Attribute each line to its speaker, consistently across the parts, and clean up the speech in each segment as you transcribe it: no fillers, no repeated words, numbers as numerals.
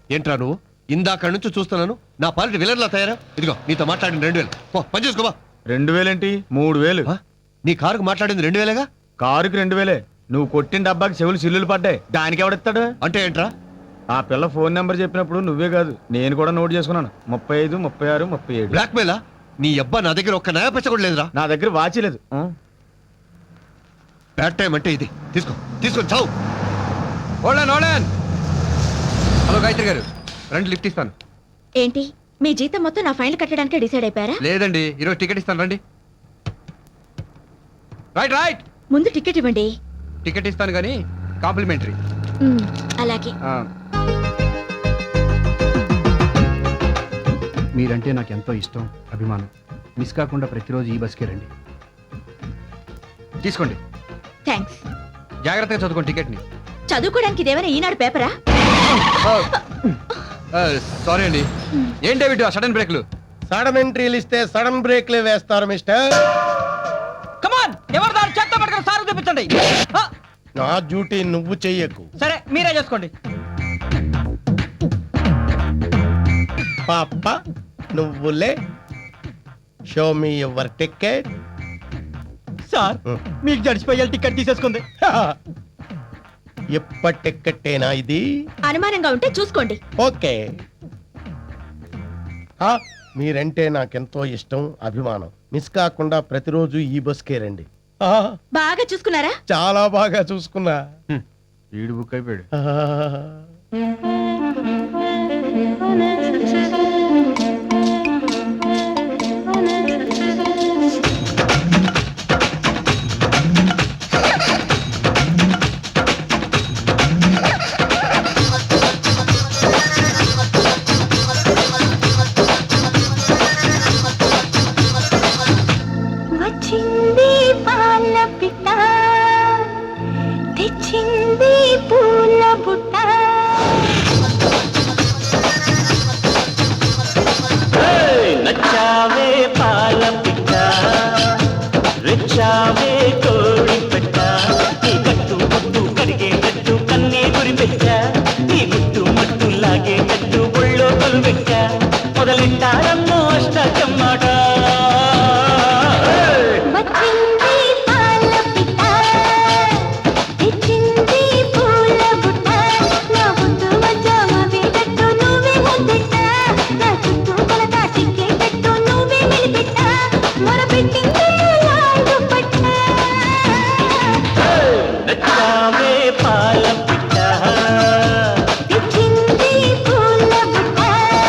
Speaker 1: ఏంట్రా నువ్వు? ఇందాక నుంచి చూస్తున్నాను నా పాలిటి విలన్లా తయారా. ఇదిగో నీతో మాట్లాడిన 2000 పో పని చేసుకోబా.
Speaker 2: 2000 ఏంటి 3000?
Speaker 1: నీ కారుకు మాట్లాడింది 2000గా?
Speaker 2: కారుకి 2000. నువ్వు కొట్టిన డబ్బాకి చెవులు సిల్లులు పడ్డాయి. దానికి ఎవడిస్తాడు?
Speaker 1: అంటే ఏంట్రా?
Speaker 2: ఆ పిల్ల ఫోన్ నెంబర్ చెప్పినప్పుడు నువ్వే కాదు నేను కూడా నోట్ చేసుకున్నాను. 35, 36, 37.
Speaker 1: బ్లాక్ మెయిలా? నీ అబ్బా నా దగ్గర ఒక్క నయా పెచ్చ కూడా లేదురా.
Speaker 2: నా దగ్గర వాచి లేదు.
Speaker 1: బ్యాడ్ టైం అంటే ఇది. తీసుకొని చావు.
Speaker 3: హలో గాయత్రి గారు, రండి లిఫ్ట్ ఇస్తాను.
Speaker 4: ఏంటి మీ జీతం మొత్తం నా ఫైల్ కట్టడానికి డిసైడ్ అయిపోయారా?
Speaker 3: లేదండి, ఈరోజు టికెట్ ఇస్తాను, రండి. రైట్
Speaker 4: ముందు టికెట్ ఇవ్వండి.
Speaker 3: టికెట్ ఇస్తాను కానీ కాంప్లిమెంటరీ.
Speaker 4: అలాగే.
Speaker 5: మీరంటే నాకు ఎంతో ఇష్టం, అభిమానం. మిస్ కాకుండా ప్రతిరోజు ఈ బస్కే రండి.
Speaker 3: తీసుకోండి.
Speaker 4: థ్యాంక్స్.
Speaker 3: జాగ్రత్తగా చదువుకోండి టికెట్ని.
Speaker 4: చదువుకోవడానికి ఇదేమైనా ఈనాడు పేపరా?
Speaker 3: సారీ అండి. ఏం డేవిడ్ సడన్ బ్రేక్లు?
Speaker 6: సడన్ ఎంట్రీలు ఇస్తే సడన్ బ్రేక్లే వేస్తారు మిస్టర్.
Speaker 7: కమాన్, ఎవరు దాని చేత పట్టుకుని సార్ చూపించండి.
Speaker 6: నా డ్యూటీ నువ్వు చెయ్యకు.
Speaker 7: సరే మీరే చేసుకోండి.
Speaker 6: పాప నువ్వులే. Show me your ticket.
Speaker 7: Sir మీకు జడ్జిపోయాలి టికెట్ తీసేసుకుంది.
Speaker 6: ఎప్పటి టికెట్టేనా ఇది?
Speaker 4: అనుమానంగా ఉంటే చూసుకోండి.
Speaker 6: ఓకే. మీరంటే నాకెంతో ఇష్టం, అభిమానం. మిస్ కాకుండా ప్రతిరోజు ఈ బస్కే రండి.
Speaker 4: బాగా చూసుకున్నారా?
Speaker 6: చాలా బాగా చూసుకున్నా.
Speaker 2: ఈడు బుక్ అయిపోయాడు.
Speaker 8: వచ్చింది పాల పిట్ట, తెచ్చింది పూల బుట్ట.
Speaker 9: నచ్చావే పాల పిట్ట, రెచ్చావే కోడి పెట్ట. నీ కట్టు ముట్టు కరిగేటట్టు కన్నే గురి పెట్ట. నీ గుట్టు మట్టు లాగేటట్టు ఒళ్ళో కొలు పెట్ట. మొదలెట్టారన్నో అష్టకమ్మాట.
Speaker 8: వచ్చింది పాల పిట్ట, తెచ్చింది పూల బుట్ట. నా ముద్దు మధ్యమ వేటట్టు నువ్వే ముద్దెట్ట. నా చుట్టూ కొలత చిక్కేటట్టు నువ్వే మెలిపెట్ట. మొరపెట్టింది లాండు పట్ట.
Speaker 9: నచ్చావే పాల పిట్ట,
Speaker 8: తెచ్చింది పూల బుట్ట.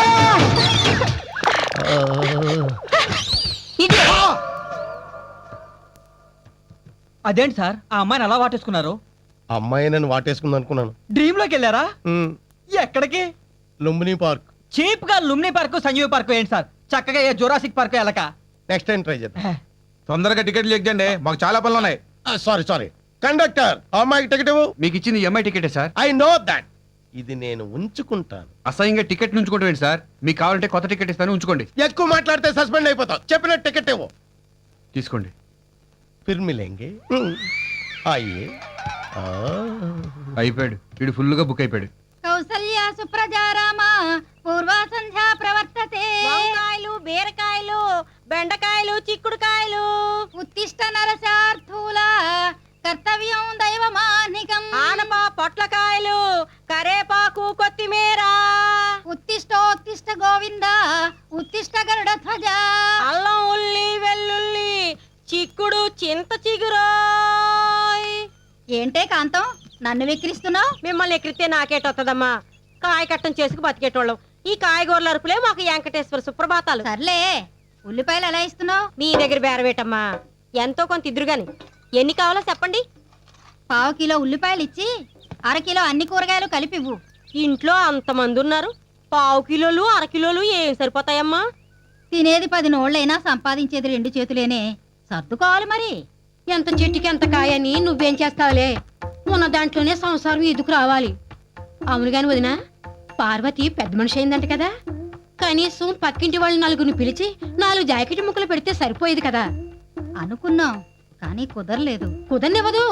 Speaker 7: అదేంటి సార్ ఆ అమ్మాయిని అలా వాటేసుకున్నారు?
Speaker 6: అమ్మాయి నన్ను వాటేసుకుంది అనుకున్నాను.
Speaker 7: డ్రీమ్ లోకి వెళ్ళారా? ఎక్కడికి?
Speaker 6: లుంబిని పార్క్.
Speaker 7: చీప్ గా లుమ్ని పార్క్, సంజీవ్ పార్క్ ఏంటి సార్? చక్కగా ఏ జురాసిక్ పార్క్ వెళ్ళక.
Speaker 6: నెక్స్ట్ టైం ట్రై చేద్దాం.
Speaker 2: తొందరగా టికెట్లు ఎక్కండి, మాకు చాలా పనులు ఉన్నాయి.
Speaker 6: సారీ కండక్టర్, అమ్మాయికి టికెట్ ఇవ్వు.
Speaker 3: మీకు ఇచ్చింది ఎంఐ టికెటే సార్.
Speaker 6: I know that. ఇది నేను ఉంచుకుంటాను.
Speaker 3: అసహ్యంగా టికెట్ ఉంచుకోండి సార్. మీకు కావాలంటే కొత్త టికెట్ ఇస్తాను, ఉంచుకోండి.
Speaker 6: ఎక్కువ మాట్లాడితే సస్పెండ్ అయిపోతావు. చెప్పిన టికెట్ ఇవ్వు.
Speaker 3: తీసుకోండి.
Speaker 6: फिर मिलेंगे. आइए.
Speaker 3: అయిపోయాడు, వీడు ఫుల్గా బుక్ అయిపోయాడు.
Speaker 8: కౌసల్య సుప్రజారామ పూర్వ సంధ్యా ప్రవర్తతే. వంకాయలు, బీరకాయలు, బెండకాయలు, చిక్కుడుకాయలు. ఉత్తిష్ట నరసార్థూల కర్తవ్యం దైవమానికం. ఆనప పొట్లకాయలు, కరేపాకు, కొత్తిమీర. ఉత్తిష్టోత్తిష్ట గోవింద ఉత్తిష్ట గరుడ ధ్వజ. అల్లం, ఉల్లి, వెల్లుల్లి, చిక్కుడు, చింత చిగురోయ్. ఏంటే కాంతం నన్ను వెక్కిరిస్తున్నావు? మిమ్మల్ని ఎక్కిరితే నాకేటొత్తదమ్మా. కాయ కట్టం చేసుకు బతికేటోళ్ళం. ఈ కాయగూరల అరుపులే మాకు వెంకటేశ్వర సుప్రభాతాలు. సర్లే, ఉల్లిపాయలు ఎలా ఇస్తున్నావు? నీ దగ్గర బేరవేటమ్మా. ఎంతో కొంత ఇద్దరు గాని. ఎన్ని కావాలో చెప్పండి. 1/2 కిలో ఉల్లిపాయలు ఇచ్చి 1/2 కిలో అన్ని కూరగాయలు కలిపివ్వు. ఇంట్లో అంతమంది ఉన్నారు, 1/2 కిలోలు 1/2 కిలోలు ఏం సరిపోతాయమ్మా? తినేది 10 నోళ్ళైనా సంపాదించేది 2 చేతులేనే. సర్దుకోవాలి మరి. ఎంత చెట్టుకి ఎంత కాయని నువ్వేం చేస్తావులే. ఉన్న దాంట్లోనే సంసారం ఎదుకు రావాలి. అవును గాని వదినా, పార్వతి పెద్ద మనిషి అయిందంట కదా. కనీసం పక్కింటి వాళ్ళు 4 పిలిచి 4 జాకెట్ ముక్కలు పెడితే సరిపోయేది కదా. అనుకున్నాం కానీ కుదరలేదు. కుదరనివ్వదు.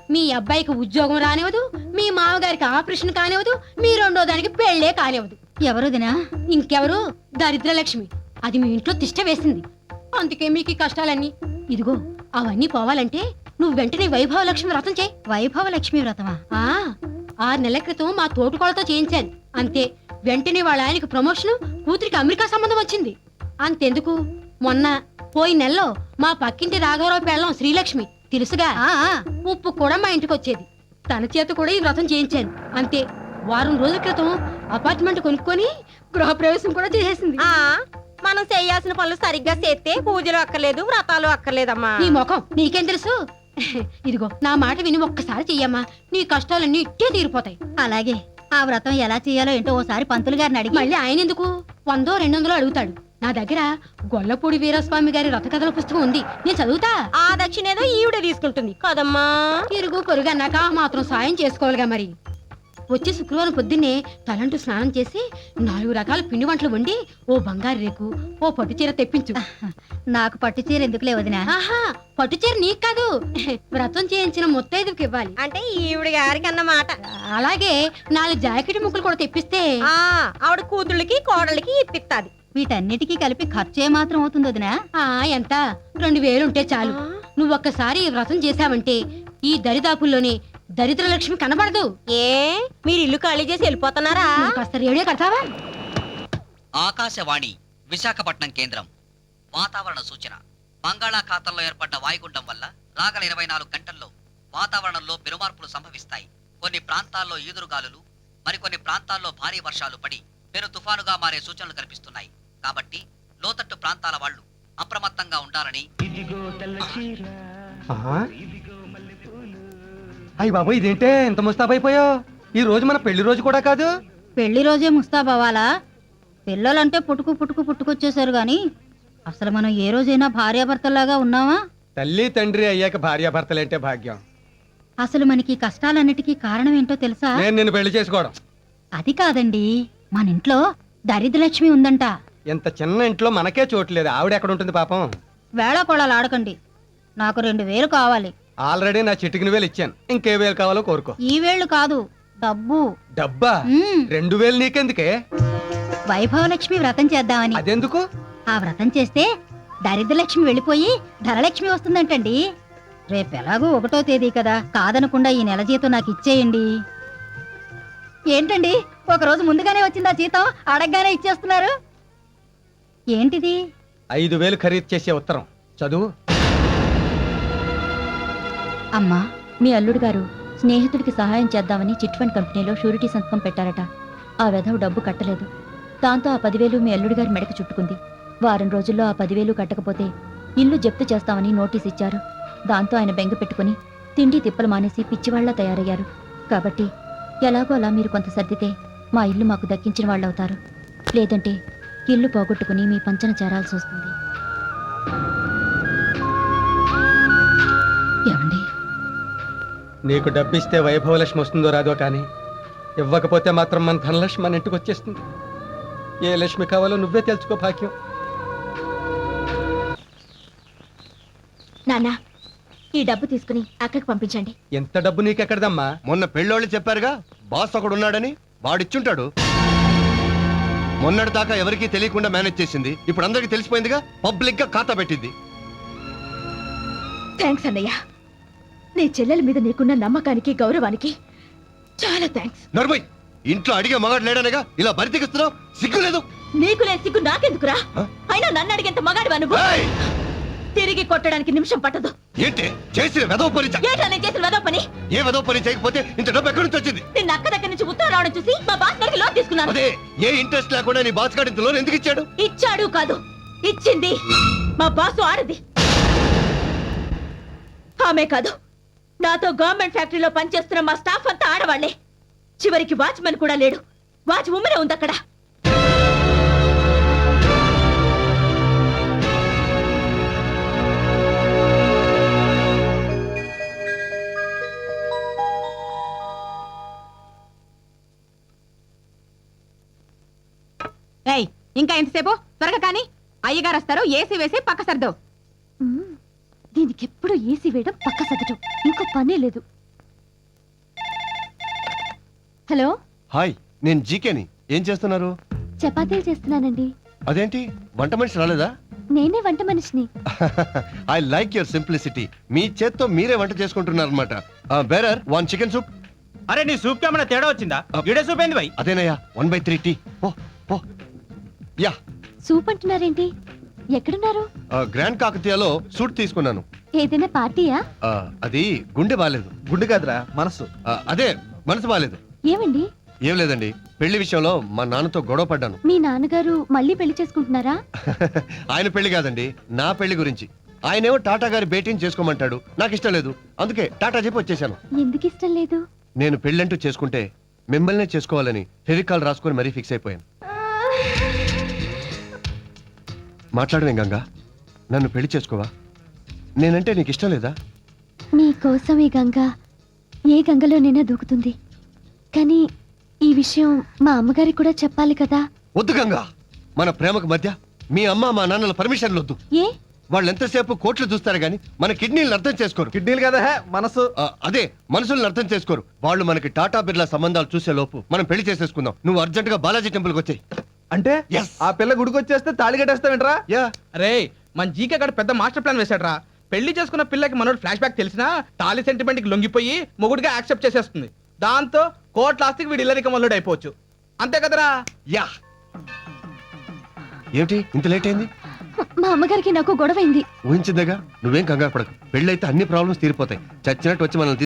Speaker 8: మీ అబ్బాయికి ఉద్యోగం రానివ్వదు, మీ మామగారికి ఆపరేషన్ కానివ్వదు, మీ రెండో దానికి పెళ్ళే కానివ్వదు. ఎవరుదినా? ఇంకెవరు? దరిద్రలక్ష్మి. అది మీ ఇంట్లో తిష్ట వేసింది. అందుకే మీకు ఈ కష్టాలన్నీ. ఇదిగో అవన్నీ పోవాలంటే నువ్వు వెంటనే వైభవలక్ష్మి వ్రతం చేయి. వైభవలక్ష్మి వ్రతమా? 6 నెలల క్రితం మా తోటికోళ్ళతో చేయించాను. అంతే, వెంటనే వాళ్ళ ఆయనకి ప్రమోషన్, కూతురికి అమెరికా సంబంధం వచ్చింది. అంతెందుకు, మొన్న పోయిన నెలలో మా పక్కింటి రాఘవరావు పెళ్ళం శ్రీలక్ష్మి తెలుసుగా, ఉప్పు కూడా మా ఇంటికి వచ్చేది. తన చేత కూడా ఈ వ్రతం చేయించాను. అంతే, వారం రోజుల క్రితం అపార్ట్మెంట్ కొనుక్కొని గృహప్రవేశం కూడా చేసేసింది.
Speaker 4: మనం చేయాల్సిన పనులు సరిగ్గా చేస్తే పూజలు అక్కర్లేదు, వ్రతాలు అక్కర్లేదమ్మా.
Speaker 8: నీ ముఖం నీకేం తెలుసు? ఇదిగో నా మాట విని ఒక్కసారి చెయ్యమ్మా, నీ కష్టాలన్నీ ఇట్టే తీరిపోతాయి.
Speaker 4: అలాగే. ఆ వ్రతం ఎలా చేయాలో ఏంటో ఓసారి పంతులు గారిని అడిగి.
Speaker 8: మళ్ళీ ఆయన ఎందుకు 100 200 అడుగుతాడు. నా దగ్గర గొల్లపూడి వీరస్వామి గారి రథ కథల పుస్తకం ఉంది, నేను చదువుతా.
Speaker 4: ఆ దక్షిణ ఏదో ఈవిడే తీసుకుంటుంది కదమ్మా.
Speaker 8: ఇరుగు పొరుగు అన్నాక మాత్రం సాయం చేసుకోవాలిగా మరి. వచ్చే శుక్రవారం పొద్దున్నే తలంటూ స్నానం చేసి 4 రకాల పిండి వంటలు వండి ఓ బంగారు రేకు, ఓ పట్టు చీర తెప్పించు.
Speaker 4: నాకు పట్టు చీర ఎందుకులే వదినా?
Speaker 8: ఆహా, పట్టు చీర నీకు కాదు, వ్రతం చేయించిన ముత్తైదుకి ఇవ్వాలి.
Speaker 4: అంటే ఈవిడ గారికి అన్నమాట.
Speaker 8: అలాగే 4 జాకెట్ ముక్కలు కూడా తెప్పిస్తే
Speaker 4: ఆవిడ కూతుళ్ళకి కోడళ్ళకి ఇప్పిస్తాది. వీటన్నిటికీ కలిపి ఖర్చు ఏ మాత్రం అవుతుంది వదినా?
Speaker 8: ఎంత 2000 ఉంటే చాలు. నువ్వు ఒక్కసారి ఈ వ్రతం చేశావంటే ఈ దరిదాపుల్లోనే దరిద్రలక్ష్మి కనబడదు.
Speaker 4: ఏ మీరు ఇల్లు ఖాళీ చేసి వెళ్ళిపోతున్నారా?
Speaker 8: నువ్వు కాస్త రేడియో కడతావా?
Speaker 10: ఆకాశవాణి విశాఖపట్నం కేంద్రం. వాతావరణ సూచన. బంగాళాఖాతంలో ఏర్పడ్డ వాయుగుండం వల్ల రాగల 24 గంటల్లో వాతావరణంలో పెనుమార్పులు సంభవిస్తాయి. కొన్ని ప్రాంతాల్లో ఈదురుగాలులు, మరికొన్ని ప్రాంతాల్లో భారీ వర్షాలు పడి పెను తుఫానుగా మారే సూచనలు కనిపిస్తున్నాయి. కాబట్టి లోతట్టు ప్రాంతాల వాళ్ళు అప్రమత్తంగా ఉండాలని.
Speaker 2: అయ్యి బాబు, ఇదేంటే ఇంత ముస్తాబైపోయావు? ఈ రోజు మన పెళ్లి రోజు కూడా కాదు.
Speaker 8: పెళ్లి రోజే ముస్తాబవ్వాలా? పిల్లలంటే పుట్టుకొచ్చేసారు గాని అసలు మనం ఏ రోజైనా భార్యాభర్తల్లాగా ఉన్నావా?
Speaker 2: తల్లి తండ్రి అయ్యాక భార్యాభర్తలంటే భాగ్యం.
Speaker 8: అసలు మనకి కష్టాలన్నిటికీ కారణం ఏంటో తెలుసా?
Speaker 2: నేను నిన్ను పెళ్లి చేసుకోవడం.
Speaker 8: అది కాదండి, మన ఇంట్లో దరిద్రలక్ష్మి ఉందంట.
Speaker 2: ఇంత చిన్న ఇంట్లో మనకే చోట్లేదు, ఆవిడ ఎక్కడ ఉంటుంది పాపం?
Speaker 8: వేళాకోళాలు ఆడకండి. నాకు 2000 కావాలి.
Speaker 2: ఆల్రెడీ నా చిటికిన వేలు ఇచ్చాను, ఇంకే వేలు కావాలో కోరుకో.
Speaker 8: ఈ వేళ్ళు కాదు, డబ్బు.
Speaker 2: డబ్బా? 2000 నీకెందుకే?
Speaker 8: వైభవలక్ష్మి వ్రతం చేద్దామని.
Speaker 2: అదెందుకు?
Speaker 8: ఆ వ్రతం చేస్తే దరిద్రలక్ష్మి వెళ్ళిపోయి ధనలక్ష్మి వస్తుందంటండి. రేపెలాగూ 1వ తేదీ కదా, కాదనకుండా ఈ నెల జీతం నాకు ఇచ్చేయండి. ఏంటండి, ఒకరోజు ముందుగానే వచ్చిందా జీతం? అడగగానే ఇచ్చేస్తున్నారు. ఏంటిది?
Speaker 2: 5000 ఖరీదు చేసే ఉత్తరం చదువు.
Speaker 4: అమ్మా, మీ అల్లుడు గారు స్నేహితుడికి సహాయం చేద్దామని చిట్ ఫండ్ కంపెనీలో షూరిటీ సంతకం పెట్టారట. ఆ వెధవ డబ్బు కట్టలేదు. దాంతో ఆ 10,000 మీ అల్లుడు గారి మెడకు చుట్టుకుంది. వారం రోజుల్లో ఆ 10,000 కట్టకపోతే ఇల్లు జప్తు చేస్తామని నోటీస్ ఇచ్చారు. దాంతో ఆయన బెంగ పెట్టుకుని తిండి తిప్పలు మానేసి పిచ్చివాళ్లా తయారయ్యారు. కాబట్టి ఎలాగో అలా మీరు కొంత సర్దితే మా ఇల్లు మాకు దక్కించిన వాళ్ళు అవుతారు. లేదంటే ఇల్లు పోగొట్టుకుని మీ పంచన చేరాల్సి వస్తుంది. ఏమండి,
Speaker 2: నీకు డబ్బిస్తే వైభవలక్ష్మి వస్తుందో రాదో కానీ ఇవ్వకపోతే మాత్రం మన ధనలక్ష్మి మన ఇంటికి వచ్చేస్తుంది. ఏ లక్ష్మి కావాలో నువ్వే తెలుసుకో భాగ్యం.
Speaker 4: నాన్న, ఈ డబ్బు తీసుకుని అక్కడికి పంపించండి.
Speaker 2: ఎంత డబ్బు నీకెక్కడదమ్మా?
Speaker 1: మొన్న పెళ్ళోళ్ళు చెప్పారుగా, బాస్ ఒకడు ఉన్నాడని, వాడిచ్చుంటాడు. మొన్నటి దాకా ఎవరికీ తెలియకుండా మేనేజ్ చేసింది, ఇప్పుడు అందరికీ తెలిసిపోయిందిగా, పబ్లిక్ గా ఖాతా పెట్టింది.
Speaker 4: థ్యాంక్స్ అన్నయ్య. నీ చెల్లెల మీద నీకున్న నమ్మకానికి గౌరవానికి చాలా థ్యాంక్స్.
Speaker 1: నర్మయ్, ఇంట్లో అడిగే మగాడు లేడనేగా ఇలా బరితెగిస్తున్నావు? సిగ్గులేదు?
Speaker 4: నీకు లేని సిగ్గు నాకెందుకురా? అయినా నన్ను అడిగేంత మగాడివా నువ్వు?
Speaker 1: ఏయ్!
Speaker 4: తిరిగి కొట్టడానికి నిమిషం పట్టదు.
Speaker 1: ఏంటి చేసిన వెదవ పని?
Speaker 4: ఏంటో నేను చేసిన వెదవ పని?
Speaker 1: ఏ వెదవ పని చేయకపోతే ఇంత డబ్బు ఎక్కడి నుంచి వచ్చింది?
Speaker 4: నిన్న అక్క దగ్గర నుంచి ఉత్తరం రావడం చూసి మా బాస్ గారికి లోన్ తీసుకున్నాను.
Speaker 1: అదే, ఏ ఇంట్రెస్ట్ లేకుండా నీ బాస్ గారి ఇంత లోన్ ఎందుకు ఇచ్చాడు?
Speaker 4: ఇచ్చాడు కాదు, ఇచ్చింది మా బాసు ఆడది. ఆమె కాదు, నాతో గవర్నమెంట్ ఫ్యాక్టరీలో పనిచేస్తున్న మా స్టాఫ్ అంతా ఆడవాళ్లే. చివరికి వాచ్మెన్ కూడా లేడు, వాచ్ ఉమ్మనే ఉంది అక్కడ.
Speaker 8: ఇంకా ఎంతసేపు? త్వరగా కానీ, అయ్యగారు వస్తారు. ఏసీ వేసి పక్క సర్దు.
Speaker 4: దీనికి ఎప్పుడు ఏసీ వేయడం, పక్క సగటం, ఇంకో పనే లేదు. హలో,
Speaker 1: హాయ్, నేను జీకేని. ఏం చేస్తున్నారు?
Speaker 4: చపాతీలు చేస్తున్నానండి.
Speaker 1: అదేంటి, వంట మనిషి రాలేదా?
Speaker 4: నేనే వంట మనిషిని.
Speaker 1: I like your simplicity. మీ చేత్తో మీరే వంట చేసుకుంటున్నారు అనమాట. Bearer 1 chicken soup.
Speaker 7: అరే నీ సూప్ కి ఏమైనా తేడా వచ్చిందా? గిడే సూప్ ఏంది భయ్?
Speaker 1: అదేనయ్యా, 1/3 టీ. Oh yeah.
Speaker 4: సూప్ అంటున్నారేంటి? ఎక్కడున్నారు?
Speaker 1: గ్రాండ్ కాకతీయలో సూట్ తీసుకున్నాను.
Speaker 4: ఏదైనా పార్టీయా?
Speaker 1: అది గుండె బాలేదు.
Speaker 6: గుండె కాదురా మనసు.
Speaker 1: అదే, మనసు బాలేదు.
Speaker 4: ఏమండి?
Speaker 1: ఏం లేదండి, పెళ్లి విషయంలో మా నాన్నతో గొడవ పడ్డాను.
Speaker 4: మీ నాన్నగారు మళ్ళీ పెళ్లి చేసుకుంటున్నారా?
Speaker 1: ఆయన పెళ్లి కాదండి, నా పెళ్లి గురించి. ఆయనేమో టాటా గారి భేటీని చేసుకోమంటాడు. నాకు ఇష్టం లేదు, అందుకే టాటా చెప్పి వచ్చేసాను.
Speaker 4: ఎందుకు ఇష్టం లేదు?
Speaker 1: నేను పెళ్ళంటూ చేసుకుంటే మిమ్మల్నే చేసుకోవాలని ఫెవికాల్ రాసుకొని మరీ ఫిక్స్ అయిపోయాను. మాట్లాడవేం గంగా, నన్ను పెళ్లి చేసుకోవా? నేనంటే నీకు ఇష్టం లేదా?
Speaker 4: నీ కోసం ఈ గంగ ఏ గంగలోనైనా దూకుతుంది. కానీ ఈ విషయం మా అమ్మగారికి కూడా చెప్పాలి కదా.
Speaker 1: వద్దు గంగా, మన ప్రేమకు మధ్య మీ అమ్మ మా నాన్నల పర్మిషన్లు వద్దు.
Speaker 4: ఏ?
Speaker 1: వాళ్ళు ఎంతసేపు కోట్లు చూస్తారు గానీ మన కిడ్నీలను అర్థం చేసుకోరు.
Speaker 6: కిడ్నీలు కదా మనసు.
Speaker 1: అదే, మనసులను అర్థం చేసుకోరు. వాళ్ళు మనకి టాటా బిర్లా సంబంధాలు చూసే లోపు మనం పెళ్లి చేసేసుకుందాం. నువ్వు అర్జెంట్ గా బాలాజీ టెంపుల్కి వచ్చాయి.
Speaker 6: అంటే
Speaker 1: Yes.
Speaker 6: ఆ పిల్ల గుడికి వచ్చేస్తే తాళి కట్టేస్తావేంట్రా?
Speaker 1: యా.
Speaker 7: అరే మన జీకే గడు పెద్ద మాస్టర్ ప్లాన్ వేశాడ్రా. పెళ్లి చేసుకున్న పిల్లకి మనోడు ఫ్లాష్ బ్యాక్ తెలిసినా తాలి సెంటిమెంట్ కి లొంగిపోయి మొగుడిగా యాక్సెప్ట్ చేసేస్తుంది. దాంతో కోట్ల ఆస్తికి వీడు ఇల్లరిక మల్లుడు అయిపోవచ్చు. అంతే కదరా?
Speaker 1: యా. ఏమిటి ఇంత లేట్ అయింది?
Speaker 4: మా అమ్మగారికి నాకు గొడవైంది.
Speaker 1: ఊహించిందేగా, నువ్వేం కంగారు పడకు. పెళ్ళైతే అన్ని ప్రాబ్లమ్స్ తీరిపోతాయి. చచ్చినట్టు వచ్చి మనం